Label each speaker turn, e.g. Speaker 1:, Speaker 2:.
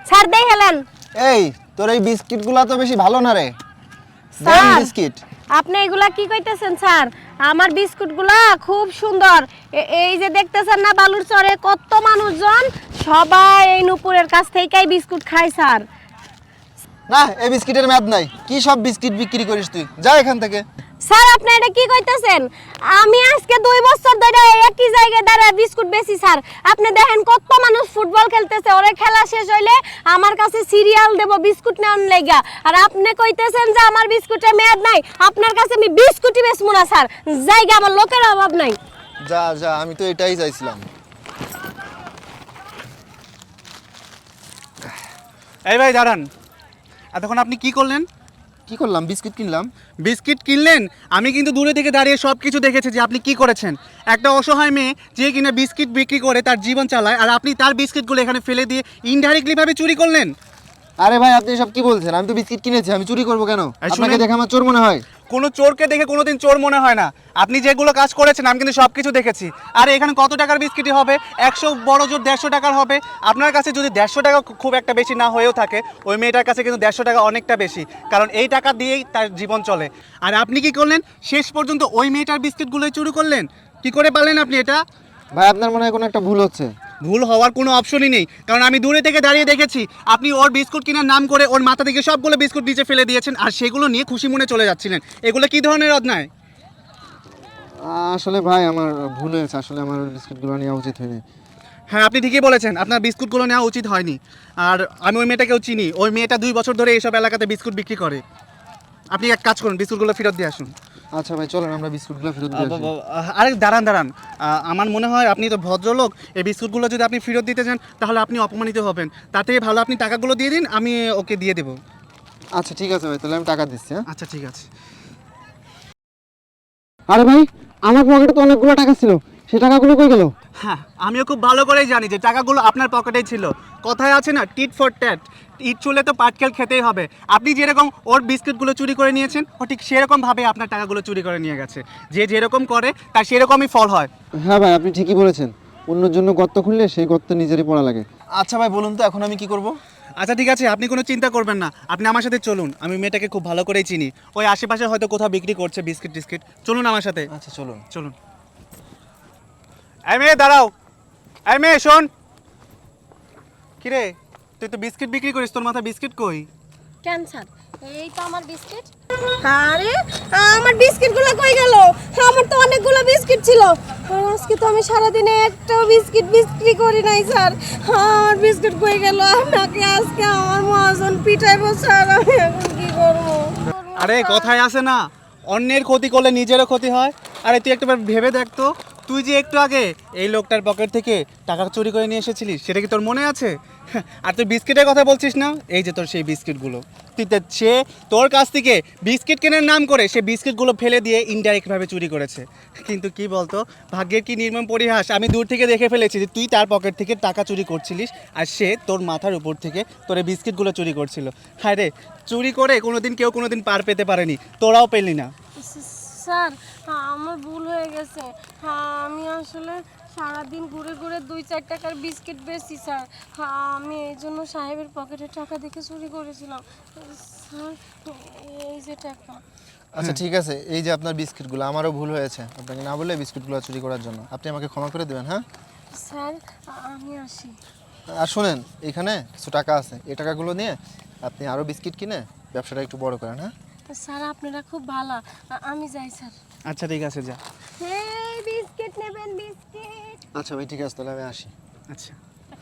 Speaker 1: Sir দেই Helen.
Speaker 2: এই তোর এই বিস্কিটগুলো তো বেশি ভালো না রে।
Speaker 1: স্যার
Speaker 2: বিস্কিট
Speaker 1: আপনি এগুলা কি কইতেছেন স্যার? আমার বিস্কুটগুলা খুব সুন্দর। এই যে দেখতেছেন না বালুর চরে কত মানুষজন, সবাই এই নুপুরের কাছ থেকেই বিস্কুট খায় স্যার।
Speaker 2: না, এই বিস্কিটের মেয়াদ নাই। কি সব বিস্কিট বিক্রি করিস তুই? যা এখান থেকে।
Speaker 1: স্যার আপনি এটা কি কইতেছেন? আমি আজকে 2 বছর ধরে একই জায়গায় দাঁড়ায় বিস্কুট বেচি স্যার। আপনি দেখেন কত মানুষ ফুটবল খেলতেছে, ওরে খেলা শেষ হইলে আমার কাছে সিরিয়াল দেব বিস্কুট নেওয়ার লাগা। আর আপনি কইতেছেন যে আমার বিস্কুটের মেয়াদ নাই। আপনার কাছে আমি বিস্কুটই বেচবো না স্যার। জায়গা আমার লোকের অভাব নাই।
Speaker 2: যা যা, আমি তো এটাই চাইছিলাম।
Speaker 3: এই ভাই দাঁড়ান, এতক্ষণ আপনি কি করলেন?
Speaker 2: কি করলাম? বিস্কিট কিনলাম।
Speaker 3: বিস্কিট কিনলেন? আমি কিন্তু দূরে থেকে দাঁড়িয়ে সব কিছু দেখেছি যে আপনি কি করেছেন। একটা অসহায় মেয়ে যে কিনা বিস্কিট বিক্রি করে তার জীবন চালায়, আর আপনি তার বিস্কিটগুলো এখানে ফেলে দিয়ে ইনডাইরেক্টলিভাবে চুরি করলেন।
Speaker 2: আরে ভাই, আপনি সব কি বলছেন? আমি তো বিস্কিট কিনেছি, আমি চুরি করবো কেন? আপনাকে দেখে আমার চোর মনে হয়?
Speaker 3: কোনো চোরকে দেখে কোনোদিন চোর মনে হয় না। আপনি যেগুলো কাজ করেছেন আমি কিন্তু সব কিছু দেখেছি। আর এখানে কত টাকার বিস্কিটই হবে? 100 বড় জোর 150 টাকার হবে। আপনার কাছে যদি 150 টাকা খুব একটা বেশি না হয়েও থাকে, ওই মেয়েটার কাছে কিন্তু 150 টাকা অনেকটা বেশি, কারণ এই টাকা দিয়েই তার জীবন চলে। আর আপনি কি করলেন? শেষ পর্যন্ত ওই মেয়েটার বিস্কিটগুলোই চুরি করলেন। কি করে পারলেন আপনি এটা?
Speaker 2: ভাই, আপনার মনে হয় কোনো একটা ভুল হচ্ছে।
Speaker 3: ভুল হওয়ার কোনো অপশনই নেই, কারণ আমি দূরে থেকে দাঁড়িয়ে দেখেছি আপনি ওর বিস্কুট কেনার নাম করে ওর মাথা থেকে সবগুলো বিস্কুট নিচে ফেলে দিয়েছেন, আর সেগুলো নিয়ে খুশি মনে চলে যাচ্ছিলেন। এগুলো কি ধরনের অন্যায়?
Speaker 2: আসলে ভাই, আমার ভুল হয়েছে। আসলে আমার বিস্কিটগুলো নেওয়া উচিত হয়নি।
Speaker 3: হ্যাঁ, আপনি ঠিকই বলেছেন, আপনার বিস্কুটগুলো নেওয়া উচিত হয়নি। আর আমি ওই মেয়েটাকেও চিনি। ওই মেয়েটা 2 বছর ধরে এইসব এলাকাতে বিস্কুট বিক্রি করে। আপনি এক কাজ করুন, বিস্কুটগুলো ফেরত দিয়ে আসুন।
Speaker 2: আচ্ছা ভাই, চলেন আমরা বিস্কুটগুলো ফেরত দিয়ে আসি।
Speaker 3: আরে দাঁড়ান দাঁড়ান, আমার মনে হয় আপনি তো ভদ্রলোক। এই বিস্কুটগুলো যদি আপনি ফেরত দিতে চান তাহলে আপনি অপমানিত হবেন। তার থেকে ভালো আপনি টাকাগুলো দিয়ে দিন, আমি ওকে দিয়ে দেবো।
Speaker 2: আচ্ছা ঠিক আছে ভাই, তাহলে আমি টাকা দিচ্ছি। হ্যাঁ,
Speaker 3: আচ্ছা ঠিক আছে।
Speaker 2: আরে ভাই, আমার পকেটে তো অনেকগুলো টাকা ছিল, সেই টাকাগুলো কই গেল?
Speaker 3: হ্যাঁ, আমিও খুব ভালো করেই জানি যে টাকাগুলো আপনার পকেটেই ছিল। কথায় আছে না, টিট ফর ট্যাট, ইট চুলে তো পাটকেল খেতেই হবে। আপনি যেরকম ওর বিস্কিটগুলো চুরি করে নিয়েছেন, ও ঠিক সেরকমভাবে আপনার টাকাগুলো চুরি করে নিয়ে গেছে। যে যেরকম করে তার সেরকমই ফল হয়।
Speaker 2: হ্যাঁ ভাই, আপনি ঠিকই বলেছেন। অন্যের জন্য গর্ত খুললে সেই গর্ত নিজেরই পড়া লাগে। আচ্ছা ভাই, বলুন তো এখন আমি কি করব?
Speaker 3: আচ্ছা ঠিক আছে, আপনি কোনো চিন্তা করবেন না, আপনি আমার সাথে চলুন। আমি মেয়েটাকে খুব ভালো করেই চিনি, ওই আশেপাশে হয়তো কোথাও বিক্রি করছে বিস্কিট টিস্কিট। চলুন আমার সাথে।
Speaker 2: আচ্ছা চলুন।
Speaker 3: চলুন। এই মেয়ে দাঁড়াও, এই মেয়ে শোন। কিরে, তুই তো বিস্কিট বিক্রি করিস, তোর মাথায় বিস্কিট কই?
Speaker 1: কেন স্যার? এই তো আমার বিস্কিট। আরে আমার বিস্কিটগুলো কই গেল? আমার তো অনেকগুলো বিস্কিট ছিল। আর আজকে তো আমি সারাদিনে একটাও বিস্কিট বিক্রি করি নাই স্যার। আমার বিস্কিট কই গেল? আমাকে আজকে আমার মহাজন পিটাইবো স্যার। আমি এখন কি করব?
Speaker 3: আরে কথায় আছে না, অন্যের ক্ষতি করলে নিজেরও ক্ষতি হয়। আরে তুই একটাবার ভেবে দেখ তো, তুই যে একটু আগে এই লোকটার পকেট থেকে টাকা চুরি করে নিয়ে এসেছিলিস, সেটা কি তোর মনে আছে? আর তুই বিস্কিটের কথা বলছিস না, এই যে তোর সেই বিস্কিটগুলো, সে তোর কাছ থেকে বিস্কিট কেনার নাম করে সে বিস্কিটগুলো ফেলে দিয়ে ইনডাইরেক্টভাবে চুরি করেছে। কিন্তু কি বলতো, ভাগ্যের কি নির্মম পরিহাস, আমি দূর থেকে দেখে ফেলেছি যে তুই তার পকেট থেকে টাকা চুরি করছিলিস, আর সে তোর মাথার উপর থেকে তোর এই বিস্কিটগুলো চুরি করছিল। হ্যাঁ রে, চুরি করে কেউ কোনোদিন পার পেতে পারেনি, তোরাও পেলি না।
Speaker 1: স্যার আমার ভুল হয়ে গেছে। আমি আসলে সারাদিন ঘুরে ঘুরে 2-4 টাকার বিস্কিট বেচছি স্যার। আমি এই জন্য সাহেবের পকেটে টাকা দেখে চুরি করেছিলাম স্যার। এই যে টাকা।
Speaker 2: আচ্ছা ঠিক আছে, এই যে আপনার বিস্কিটগুলো, আমারও ভুল হয়েছে। আপনাকে না বলে বিস্কিটগুলো চুরি করার জন্য। আপনি আমাকে ক্ষমা করে দেবেন। হ্যাঁ
Speaker 1: স্যার আমি আসি।
Speaker 2: আর শোনেন, এখানে কিছু টাকা আছে, এই টাকাগুলো নিয়ে আপনি আরও বিস্কিট কিনে ব্যবসাটা একটু বড় করেন। হ্যাঁ
Speaker 1: স্যার আপনারা খুব ভালো। আমি যাই স্যার।
Speaker 3: আচ্ছা ঠিক আছে, যা।
Speaker 1: এই বিস্কিট নেবেন বিস্কিট।
Speaker 2: আচ্ছা ভাই, ঠিক আছে, তাহলে আমি আসি।
Speaker 3: আচ্ছা।